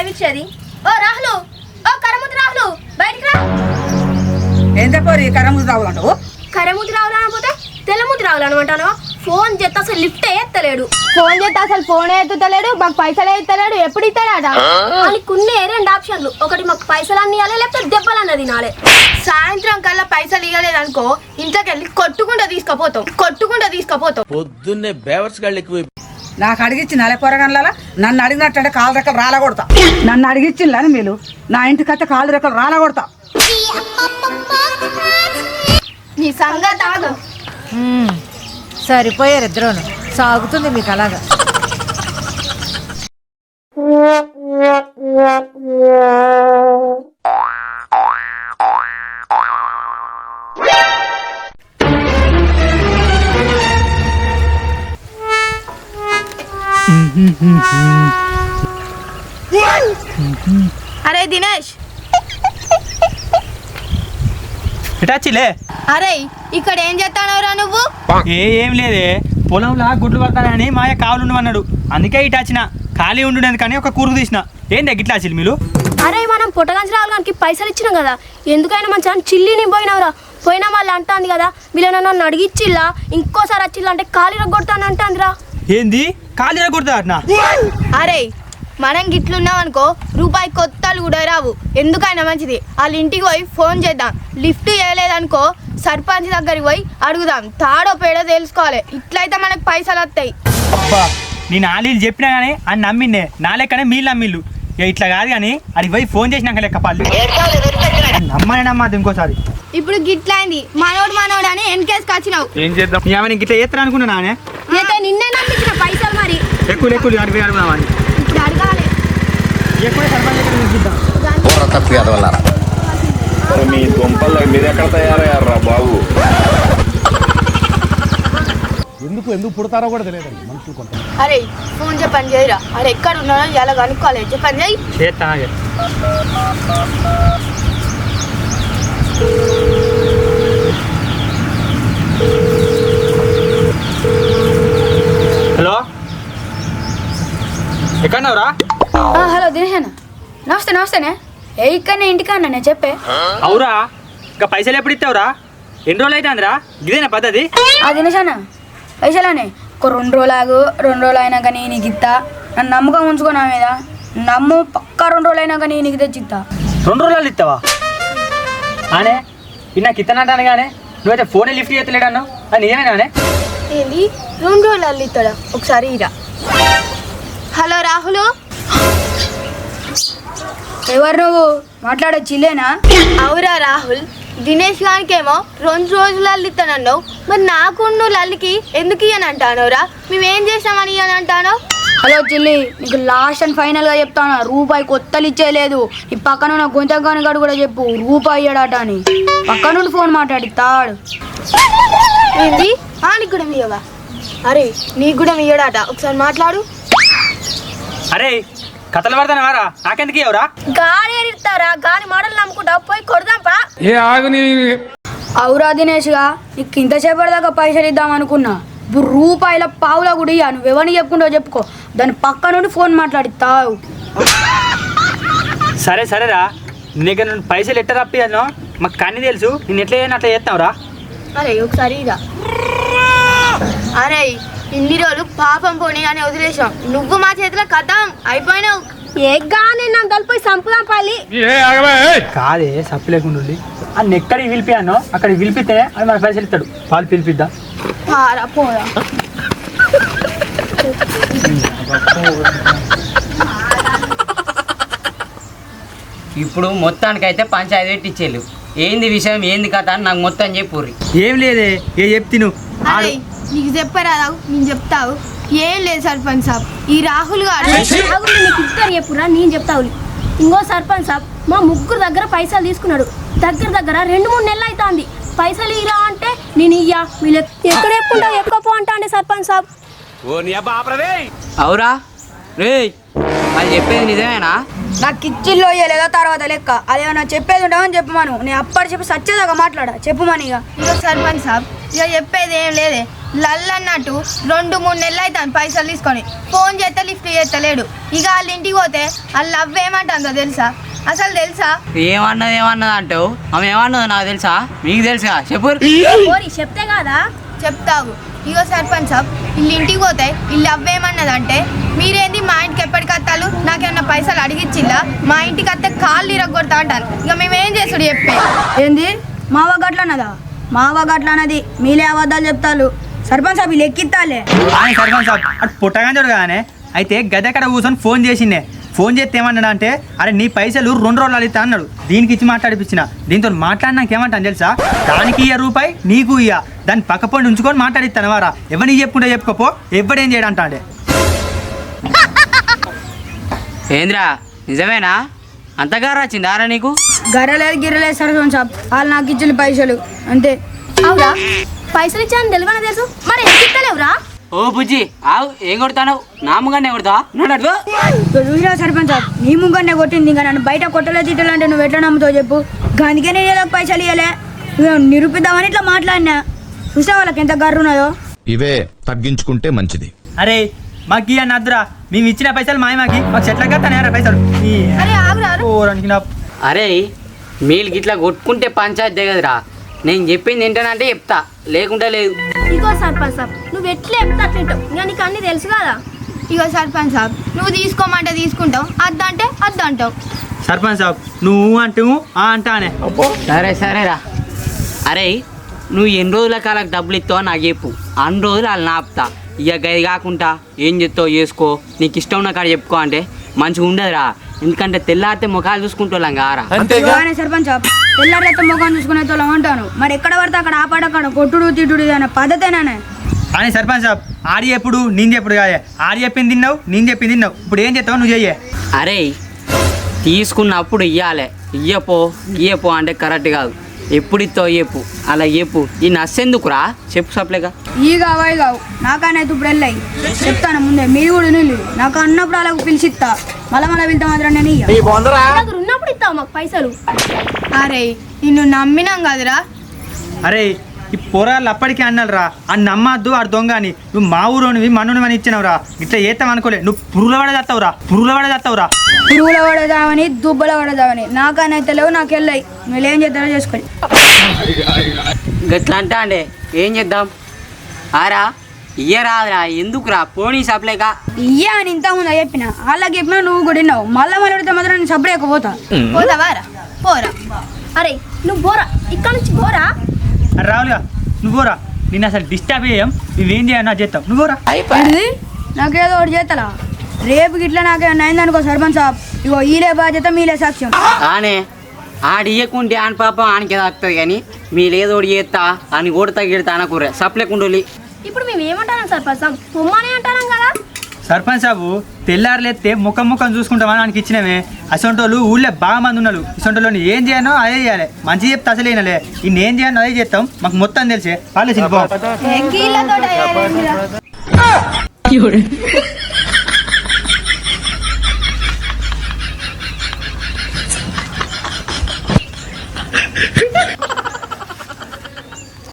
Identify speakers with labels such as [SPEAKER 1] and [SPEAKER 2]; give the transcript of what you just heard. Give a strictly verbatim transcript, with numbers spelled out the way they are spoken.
[SPEAKER 1] ఇచ్చేది? ఓ రాహులు, ఓ కరముతి రాహులు, బయటికి రా.
[SPEAKER 2] ఏం చెప్పారు ఈ కరముతి రాహులు అంటావు?
[SPEAKER 1] కరముతి రాహులు అనకపోతే తెల్లముతి రాహులు అనమంటాను. ఫోన్ చేస్తే అసలు లిఫ్టే ఎత్తలేడు.
[SPEAKER 3] ఫోన్ చేస్తే అసలు ఫోన్ ఎత్తుతలేడు, మాకు పైసలు ఎత్తలేడు. ఎప్పుడు ఇస్తాడా?
[SPEAKER 1] కొన్ని రెండు ఆప్షన్లు, ఒకటి మాకు పైసలు అన్ని ఇవ్వాలి, లేకపోతే దెబ్బలు అన్నది తినాలి.
[SPEAKER 3] సాయంత్రం కల్లా పైసలు ఇవ్వలేదు అనుకో, ఇంట్లోకి వెళ్ళి కొట్టుకుంటూ తీసుకుపోతాం కొట్టుకుంటూ తీసుకుపోతాం
[SPEAKER 4] పొద్దున్నే బేవర్స్ గాళ్ళు ఎక్కువ.
[SPEAKER 2] నాకు అడిగిచ్చి నలే పొరగన్ల నన్ను అడిగినట్టంటే కాలు రెక్కలు రాలా కొడతా. నన్ను అడిగిచ్చిందని మీరు నా ఇంటికి అయితే కాలు రెక్కలు రాలా కొడతా.
[SPEAKER 3] నీ సంగతి ఆగు.
[SPEAKER 5] సరిపోయారు ఇద్దరును. సాగుతుంది మీకు అలాగా.
[SPEAKER 3] అరే దినేష్,
[SPEAKER 6] ఇటాచిలే.
[SPEAKER 3] అరే ఇక్కడ ఏం చేస్తానవరా నువ్వు?
[SPEAKER 6] ఏ ఏం లేదే, పొలంలా గుడ్లు పడతానని మాయ కావులు అన్నాడు, అందుకే ఇటాచిన. ఖాళీ ఉండు కానీ ఒక కూరుకు తీసిన. ఏంటి గిట్లాచిల్ మీరు?
[SPEAKER 1] అరే మనం పుట్టగంచి రావడానికి పైసలు ఇచ్చినాం కదా, ఎందుకైనా మంచిగా చిల్లిని పోయినవరా. పోయినా వాళ్ళు అంటాంది కదా, వీళ్ళని నన్ను అడిగిచ్చిల్లా, ఇంకోసారి వచ్చిల్లా అంటే ఖాళీ కొడతాను అంటాందిరా.
[SPEAKER 6] ఏంది ఖాళీ కొడతా అట్నా?
[SPEAKER 3] అరే మనం గిట్లున్నాం అనుకో, రూపాయి కొత్తలు కూడా రావు. ఎందుకైనా మంచిది వాళ్ళ ఇంటికి పోయి ఫోన్ చేద్దాం. లిఫ్ట్ చేయలేదనుకో సర్పంచ్ దగ్గరికి పోయి అడుగుదాం, తాడో పేడో తెలుసుకోవాలి. ఇట్లయితే మనకు పైసలు వస్తాయి.
[SPEAKER 6] అబ్బా నేను ఆలీలు చెప్పినా కానీ అని నమ్మిండే, నా లెక్కనే మీరు నమ్మిళ్ళు. ఇట్లా కాదు కానీ అది పోయి ఫోన్ చేసినాక లెక్క పళ్ళు నమ్మని నమ్మది ఇంకోసారి.
[SPEAKER 3] ఇప్పుడు గిట్లయింది, మనోడు మనోడు అని ఎన్కేసుకు వచ్చినావు.
[SPEAKER 6] ఏం చేద్దాం? ఏమైనా గిట్లా చేస్తాను అనుకున్నా నానే.
[SPEAKER 1] అయితే నిన్నే నమ్మించిన పైసలు మరి
[SPEAKER 6] ఎక్కువ ఎక్కువ అడిపోయి అడుగుదామని.
[SPEAKER 1] ఇప్పుడు అడగాలి.
[SPEAKER 6] ఎక్కువ సర్పంచ్ దగ్గర చూద్దాం.
[SPEAKER 7] మీ దుంపల్లో మీరు ఎక్కడ తయారయ్యారా బాబు?
[SPEAKER 8] ఎందుకు ఎందుకు పుడతారో కూడా తెలియదండి మనుషులు కొంత.
[SPEAKER 3] అరే ఫోన్ చెప్పండి చేయరా, అరే ఎక్కడ ఉన్నానో ఎలా కనుక్కోవాలి, చెప్పండి చేయి.
[SPEAKER 6] చేస్తా. హలో ఎక్కడన్నావురా?
[SPEAKER 3] హలో దినేష్ అన్న, నమస్తే నమస్తేనే. ఏ ఇక్కడనే ఇంటికన్నా నేను చెప్పే.
[SPEAKER 6] అవురా, ఇంకా పైసలు ఎప్పుడు ఇస్తావురా? ఎన్ని రోజులు అయితే అందరా? ఇదేనా పద్ధతి?
[SPEAKER 3] ఆ దినేష్ అన్న పైసలానే ఒక రెండు రోజులు ఆగు, రెండు రోజులు అయినాక నేను నీకు ఇస్తా. నన్ను నమ్మకం ఉంచుకో నా మీద, నమ్ము పక్కా రెండు రోజులు అయినాక నేను నీకు తెచ్చిస్తా.
[SPEAKER 6] రెండు రోజులు ఇస్తావా? అనే ఇది నాకు ఇస్తానంటాను కానీ నువ్వైతే ఫోనే లిఫ్ట్ చేస్తలేడు అన్నావు, అది నిజమేనానే?
[SPEAKER 3] ఏంది రెండు రోజులు ఇస్తాడా? ఒకసారి ఇరా. హలో రాహుల్, ఎవరు నువ్వు? మాట్లాడొచ్చు ఇల్లేనా? అవురా రాహుల్, దినేష్ గానికేమో రెండు రోజులు అల్లిస్తానన్నావు, మరి నాకు నువ్వు లల్లికి ఎందుకు ఇయ్యని అంటానోరా? మేమేం చేసామని ఇయ్యని అంటానో? హలో చిల్లి, నీకు లాస్ట్ అండ్ ఫైనల్గా చెప్తాను, రూపాయి కొత్తలు ఇచ్చేయలేదు. ఈ పక్కన ఉన్న గొంతగాని గడు కూడా చెప్పు రూపాయి ఇయ్యడాట అని. పక్క నుండి ఫోన్ మాట్లాడి తాడు. ఏంది నీకు కూడా ఇయ్యవా? అరే నీకు కూడా ఇయ్యడాట, ఒకసారి మాట్లాడు.
[SPEAKER 6] అరే కథలు పడతాను వారా, నాకెందుకు ఇవ్వరా?
[SPEAKER 1] గాలి ఎడతారా? గాలి మాటలు నమ్ముకుంటా పోయి కొడదాంపా.
[SPEAKER 8] ఏ ఆగుని
[SPEAKER 3] అవురా దినేష్గా, నీకు ఇంతసేపటి దాకా పైసలు ఇద్దాం అనుకున్నా, ఇప్పుడు రూపాయల పావులా కూడా ఇయ్యా. నువ్వు ఎవరిని చెప్పుకుంటావు చెప్పుకో, దాని పక్క నుండి ఫోన్ మాట్లాడిస్తావు.
[SPEAKER 6] సరే సరేరా, నీకు నేను పైసలు ఎట్ట రప్పియాను మాకు కన్నీ తెలుసు, నేను ఎట్లా చేయను అట్లా చేస్తావురా.
[SPEAKER 3] అరే ఒకసారి ఇదా. అరే ఇన్ని రోజులు పాపం పోనీ అని వదిలేసాం, నువ్వు మా చేతిలో కథం అయిపోయినావు.
[SPEAKER 1] ఏ గాని నన్ను కలిపోయి సంపుదాం పాలి.
[SPEAKER 6] కాదే సప్పు లేకుండా అని ఎక్కడికి పిలిపియానో అక్కడ పిలిపితే అది మన పైసలు ఇస్తాడు. పాలు పిలిపిద్దాం.
[SPEAKER 3] పారా పోరా.
[SPEAKER 9] ఇప్పుడు మొత్తానికైతే పంచాయతీ పెట్టి ఇచ్చేళ్ళు. ఏంది విషయం, ఏంది కథ అని నాకు మొత్తం చెప్పుర్రి.
[SPEAKER 6] ఏం లేదే, ఏ చెప్తి నువ్వు.
[SPEAKER 3] అరే నీకు చెప్పరాదావు, నేను చెప్తావు. ఏం లేదు సర్పంచ్ సాబ్, ఈ రాహుల్ గారు
[SPEAKER 1] నీకు ఇస్తారు చెప్పురా, నేను చెప్తావు. ఇంకో సర్పంచ్ సాబ్ మా ముగ్గురు దగ్గర పైసలు తీసుకున్నాడు. దగ్గర దగ్గర రెండు మూడు నెలలు అవుతుంది. పైసలు ఇలా అంటే నేను ఇయ్యా, వీళ్ళు ఎక్కడ ఎక్కుంటా ఎక్కువ పో అంటా అండి సర్పంచ్ సాబ్.
[SPEAKER 9] అవురా రే, అది చెప్పేది నిజమేనా?
[SPEAKER 3] నాకు ఇచ్చిల్లో ఇయ్యలేదా తర్వాత లెక్క, అదేమన్నా చెప్పేది ఉంటామని చెప్పమను. నేను అప్పటి చెప్పి సచ్చేదాకా మాట్లాడా చెప్పమని. ఇక ఇక సర్పంచ్ సాబ్ ఇక చెప్పేది ఏం లేదే, లల్ అన్నట్టు రెండు మూడు నెలలు అవుతాను పైసలు తీసుకొని ఫోన్ చేస్తే లిఫ్ట్ చేస్తలేడు. ఇక వాళ్ళ ఇంటికి పోతే వాళ్ళు అవ్వేమంటుందో తెలుసా? అసలు తెలుసా?
[SPEAKER 9] ఏమన్నది ఏమన్నది అంటావు? ఆమె ఏమన్నదో నాకు తెలుసా? మీకు తెలుసా? చెప్పు.
[SPEAKER 1] ఓరి చెప్తే కాదా?
[SPEAKER 3] చెప్తావు. ఇగో సర్పంచ్ సాబ్, వీళ్ళు ఇంటికి పోతే వీళ్ళు అవ్వేమన్నదంటే, మీరేంది మా ఇంటికి ఎప్పటికి వస్తాలు, నాకేమన్నా పైసలు అడిగిచ్చిల్లా, మా ఇంటికి వస్తే కాళ్ళు ఇరగొడతా అంటారు. ఇక మేమేం చేసుడు చెప్పే?
[SPEAKER 2] ఏంది మావ గట్లన్నదా? మావ గట్లన్నది మీలే అబద్ధాలు చెప్తారు. సర్పంచ్ సాబ్ వీళ్ళు ఎక్కిత్తాలే.
[SPEAKER 6] ఆయన సర్పంచ్ సాబ్ అటు పుట్టగా చూడు కానీ అయితే గద్దెక్కడ కూర్చొని ఫోన్ చేసిండే. ఫోన్ చేస్తే ఏమన్నాడు అంటే, అరే నీ పైసలు రెండు రోజులు అడుగుతా అన్నాడు. దీనికి ఇచ్చి మాట్లాడిపించిన. దీంతో మాట్లాడినాక ఏమంటాను తెలుసా? దానికి ఇయ్య రూపాయి, నీకు ఇయ్య, దాన్ని పక్క పండి ఉంచుకొని మాట్లాడిస్తాను వారా. ఎవరిని చెప్పుకుంటే చెప్పుకోపో, ఎవడేం చేయడంటా అంటే.
[SPEAKER 9] ఏంద్రా నిజమేనా? అంతగా వచ్చింది ఆరా నీకు?
[SPEAKER 2] గర్రలేదు గిర్రలేదు సర్పంచ్ సాబ్, వాళ్ళు నాకు ఇచ్చిన పైసలు అంతే.
[SPEAKER 1] అవురా? పైసలు ఇచ్చాను తెలియని తెలుసు, మరి ఎందుకు ఇస్తలేవురా?
[SPEAKER 9] ఓ బుజ్జి ఆవు, ఏం కొడతాను? నా ముగానే కొడతావా? నడు.
[SPEAKER 2] చూసినా సర్పంచ్ సాబ్, నీ ముంగనే కొట్టింది. ఇంకా నన్ను బయట కొట్టలే తిట్టాలంటే నువ్వు ఎట్లా నమ్ముతావు చెప్పు? అందుకే నేను ఏదో పైసలు ఇవ్వలే, నిరూపిద్దామని ఇట్లా మాట్లాడినా. చూసా వాళ్ళకి ఎంత గర్రు ఉన్నదో.
[SPEAKER 10] ఇవే తగ్గించుకుంటే మంచిది.
[SPEAKER 6] అరే మాకు ఇయ్య నద్దురా, మేము ఇచ్చిన పైసలు మాయ మాకి మాకు చెట్ల కట్టానే పైసలు.
[SPEAKER 3] అరే ఆగురా.
[SPEAKER 6] ఓరానికి నా
[SPEAKER 9] అరే మీరు గిట్లా కొట్టుకుంటే పంచాయతీ దిగదురా. నేను చెప్పింది ఏంటనంటే చెప్తా, లేకుంటే లేదు.
[SPEAKER 1] ఇగో సర్పంచ్ సాబ్, నువ్వు ఎట్లా చెప్తా అట్లుంటావు, ఇంకా నీకు అన్ని తెలుసు కదా.
[SPEAKER 3] ఇగో సర్పంచ్ సాబ్, నువ్వు తీసుకోమంటే తీసుకుంటావు, అద్దంటే అద్దంటావు.
[SPEAKER 6] సర్పంచ్ సాబ్ నువ్వు అంటూ ఆ అంటానే.
[SPEAKER 9] సరే సరేరా. అరే నువ్వు ఎన్ని రోజుల కాలకు డబ్బులు ఇస్తావో నాకు చెప్పు, అన్ని రోజులు వాళ్ళు నాపుతా. ఇక గది కాకుండా ఏం చెప్తావు చేసుకో, నీకు ఇష్టం ఉన్న కాడ చెప్పుకో అంటే మంచిగా ఉండదురా. ఎందుకంటే తెల్లారితే ముఖాలు చూసుకుంటాం కారా.
[SPEAKER 2] సర్పంచ్ సాబ్, తెల్లారైతే ముఖం చూసుకునే తోలం అంటాను. మరి ఎక్కడ పడితే అక్కడ ఆపాడక్కడ కొట్టుడు తిట్టుడు అనే పద్ధతేనానే.
[SPEAKER 6] కానీ సర్పంచ్ సాబ్ ఆడి ఎప్పుడు నేను చెప్పుడు కాదే. ఆడి చెప్పింది తిన్నావు, నేను చెప్పింది తిన్నావు. ఇప్పుడు ఏం చేస్తావు నువ్వు చెయ్యే.
[SPEAKER 9] అరే తీసుకున్నప్పుడు ఇయ్యాలి, ఇయ్యపో ఇయ్యపో అంటే కరెక్ట్ కాదు. ఎప్పుడు ఇస్తావు చెప్పు, అలా చెప్పు. ఈ నస్సెందుకురా చెప్పు సప్లేగా.
[SPEAKER 2] ఈ కావాయి కావు నాకనైతే ఇప్పుడు వెళ్ళాయి చెప్తాను ముందే. మీరు కూడా నీళ్ళు నాకు అన్నప్పుడు అలాగ పిలిచిస్తా, మళ్ళీ మళ్ళీ వెళ్తా మాత్రం నేను ఇయ్య.
[SPEAKER 1] దగ్గర ఉన్నప్పుడు ఇస్తావు మాకు పైసలు.
[SPEAKER 3] అరే నిన్ను నమ్మినాం కదరా.
[SPEAKER 6] అరే ఈ పొరాళ్ళు అప్పటికే అన్నాడు రా, అని నమ్మద్దు ఆడు దొంగ అని. నువ్వు మా ఊరోనివి మన్నుని అని ఇచ్చినావురా. ఇట్లా చేస్తాం అనుకోలే. నువ్వు పురుగుల పడే చేస్తావురా, పురుగుల పడే చేస్తావురా.
[SPEAKER 2] పురుగుల పడదామని దుబ్బల పడదామని నాకనైతే లేవు, నాకు వెళ్ళాయి. మీరు ఏం చేస్తారో చేసుకోండి.
[SPEAKER 9] గట్లా అంటా అంటే ఏం చేద్దాం? ఆరా ఇయ్యరాదురా, ఎందుకురా పోనీ సప్లేక.
[SPEAKER 2] ఇయ్యా అని ఇంత ముందు చెప్పిన వాళ్ళకి చెప్పినా నువ్వు కూడా విన్నావు. మళ్ళీ మళ్ళీ అడిగితే మాత్రం నేను సపరేకపోతా.
[SPEAKER 3] పోతావారా? పోరా.
[SPEAKER 1] అరే నువ్వు పోరా, ఇక్కడ నుంచి పోరా.
[SPEAKER 6] అరే రావులుగా నువ్వు పోరా, నేను అసలు డిస్టర్బ్ చేయం. నువ్వేం చేయను అది చేస్తావు, నువ్వు పోరా.
[SPEAKER 2] ఏంటిది? నాకేదో ఒకటి చేస్తారా? రేపు గిట్లా నాకేమన్నా అయిందనుకో సర్పంచ్ సాబ్, ఇగో ఈలే బాధ్యత మీలే సాక్ష్యం.
[SPEAKER 9] ఆనే ఆడు ఇయ్యకుంటే ఆని పాపం ఆనికి తాకుతుంది. కానీ మీరేదోటి చేస్తా అని కొడతా గిడతా అనకూరే సప్లేకుండోలి.
[SPEAKER 1] ఇప్పుడు మేము ఏమంటాం సర్పంచ్ సాబ్, పొమ్మనే అంటాం కదా.
[SPEAKER 6] సర్పంచ్ సాబు తెల్లారులేస్తే ముఖం ముఖం చూసుకుంటామని ఆయనకి ఇచ్చినవే. అసొంటోళ్ళు ఊళ్ళో బాగా మంది ఉన్నారు. ఇసొంటోళ్ళు ఏం చేయనో అదే చేయాలి. మంచి చెప్తే అసలు అయినలే, ఇన్ని ఏం చేయనో అదే చేస్తాం. మాకు మొత్తం తెలిసే వాళ్ళు